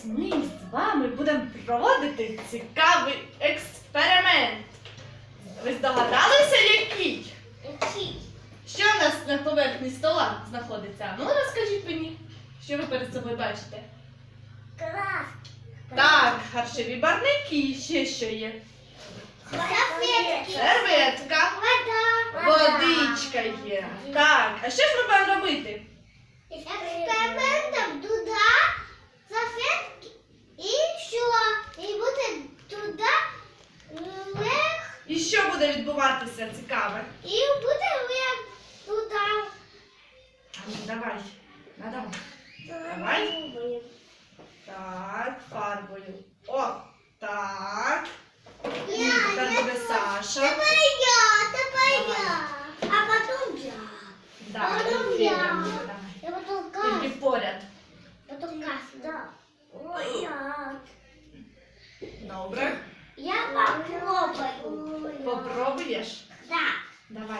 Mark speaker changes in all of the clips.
Speaker 1: ми з вами будемо проводити цікавий експеримент. Ви здогадалися, який?
Speaker 2: Який?
Speaker 1: Що у нас на поверхні стола знаходиться? Ну, розкажіть мені, що ви перед собою бачите?
Speaker 2: Клас.
Speaker 1: Так, харчові барвники, ще що є?
Speaker 2: Серветки.
Speaker 1: Серветка,
Speaker 2: Вода.
Speaker 1: водичка є. Так, а що ж ми будемо робити?
Speaker 2: Експериментом туди салфетки і що? І буде туди вверх.
Speaker 1: І що буде відбуватися цікаве?
Speaker 2: І буде вверх туди.
Speaker 1: А ну, давай, надавай. Давай. Так, фарбою. О, так. І тепер буде Саша.
Speaker 2: Тепер я. А потім я.
Speaker 1: Так,
Speaker 2: Потім
Speaker 1: і
Speaker 2: я.
Speaker 1: Фея буде, давай.
Speaker 2: Я потім
Speaker 1: Тільки
Speaker 2: Кас.
Speaker 1: поряд.
Speaker 2: Потім Кас, да. Ой, я.
Speaker 1: Добре.
Speaker 2: Я попробую.
Speaker 1: Попробуєш?
Speaker 2: Да.
Speaker 1: Давай.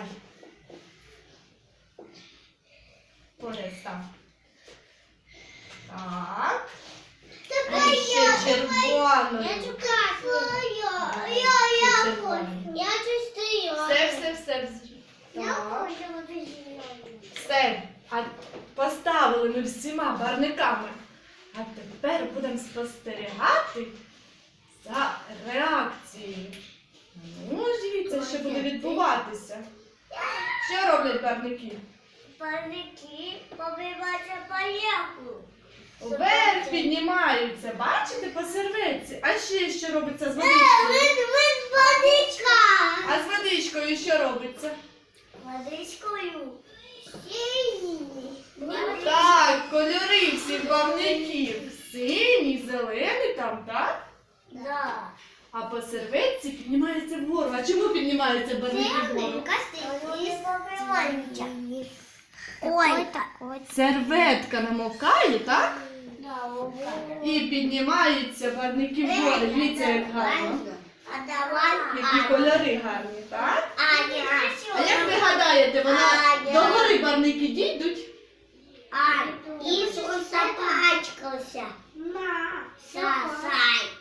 Speaker 1: Поряд став. Так.
Speaker 2: Тепер
Speaker 1: А ще червоною.
Speaker 2: Я чекаю.
Speaker 1: Ще червоною.
Speaker 2: Я чистую.
Speaker 1: Все.
Speaker 2: Я
Speaker 1: Так.
Speaker 2: хочу бути зеленою.
Speaker 1: Все. А поставили ми всіма барвниками. А тепер будемо спостерігати за реакцією. Ну, дивіться, що буде відбуватися. Що роблять барвники?
Speaker 2: Парники побиваються поїхали.
Speaker 1: Вверх піднімаються. Бачите, по серветці. А ще що робиться з водичкою?
Speaker 2: Водичка.
Speaker 1: А з водичкою що робиться?
Speaker 2: Водичкою. Синій.
Speaker 1: Так, кольори всіх барвників. Синій, зелений там, так?
Speaker 2: Да.
Speaker 1: А по серветці піднімається вгору. А чому піднімаються барвники вгору?
Speaker 2: Ой, так.
Speaker 1: Серветка намокає, так?
Speaker 2: Да,
Speaker 1: І піднімаються барвники вгору. Дивіться, як гарно.
Speaker 2: А давай.
Speaker 1: Які кольори гарні, так?
Speaker 2: Аня.
Speaker 1: А як ви гадаєте, вона до гори барвники дійдуть?
Speaker 2: Ань, Ісус запачкався. На. Сай.